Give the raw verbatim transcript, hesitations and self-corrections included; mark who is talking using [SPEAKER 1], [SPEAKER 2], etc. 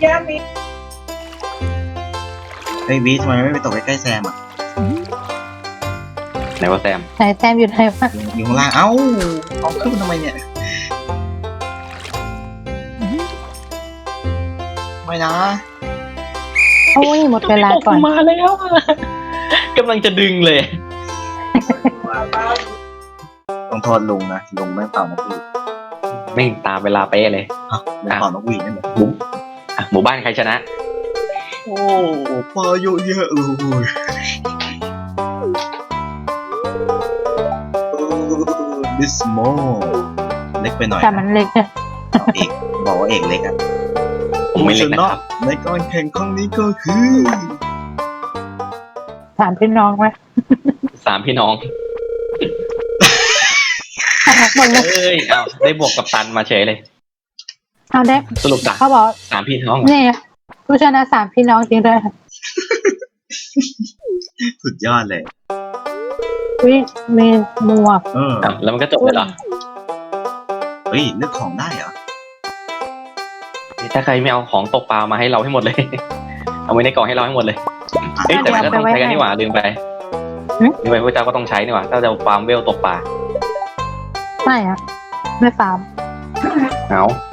[SPEAKER 1] เฮ้ยวีทำไมไม่ไปตกใกล้ๆแซมอ่ะ
[SPEAKER 2] ไหนว่าแซม
[SPEAKER 3] ไหนแซมอยู่ไหนวะ
[SPEAKER 1] อยู่ข้างล่างเอ้าเอาขึ้นมาทำไมเนี่ยไม่นะ
[SPEAKER 3] โอ้ยหมดเวลาก่อน
[SPEAKER 2] มาแล้วกำลังจะดึงเลย
[SPEAKER 1] ต้องโทษลุงนะลุงไม่เป่านกหวีด
[SPEAKER 2] ไม่ตามเวลาเป๊ะเลย
[SPEAKER 1] อ้าวลุงเป่านกหวีดนั่นเหรอ
[SPEAKER 2] หมู่อ่ะหมู่บ้านใครชนะ
[SPEAKER 1] โอ้ปลาเยอะแยะเลยดิสโมเล็กไปหน่อย
[SPEAKER 3] แต่มันเล็กอะ
[SPEAKER 1] เอาเอกบอกว่าเอกเล็กอ่ะ
[SPEAKER 2] ผมไม่เล็กนะครับ
[SPEAKER 1] ในการแข่งครั้งนี้ก็คือ
[SPEAKER 3] ถามพี่น้องไหม
[SPEAKER 2] สามพี่น้อง
[SPEAKER 3] หมดเลย
[SPEAKER 2] เอ้ยเอาได้บวกกับตันมาเฉยเลย
[SPEAKER 3] เอาได้
[SPEAKER 2] สรุปสาม
[SPEAKER 3] เขาบอก
[SPEAKER 2] สามพี่น้อง
[SPEAKER 3] นี่ผู้ชนะสามพี่น้องจริงด้วยค่ะ
[SPEAKER 1] สุดยอดเลย
[SPEAKER 3] วิมีหมวก
[SPEAKER 1] เออ
[SPEAKER 2] อ้าวแล้วมันก็จบเลยเหรอ
[SPEAKER 1] เฮ้ยเลือกของได้เหรอ
[SPEAKER 2] ถ้าใครไม่เอาของตกปลามาให้เราให้หมดเลย เอาไว้ในกล่องให้เราให้หมดเลย เอ้ยแต่มันก็ต้องใช้กันนี่หว่าลืมไปลืมไปพระเจ้าก็ต้องใช้นี่หว่าถ้าจะเอาฟาร์มเวลตกปลา
[SPEAKER 3] ไม่อะไม่ฟาร์ม
[SPEAKER 2] เอา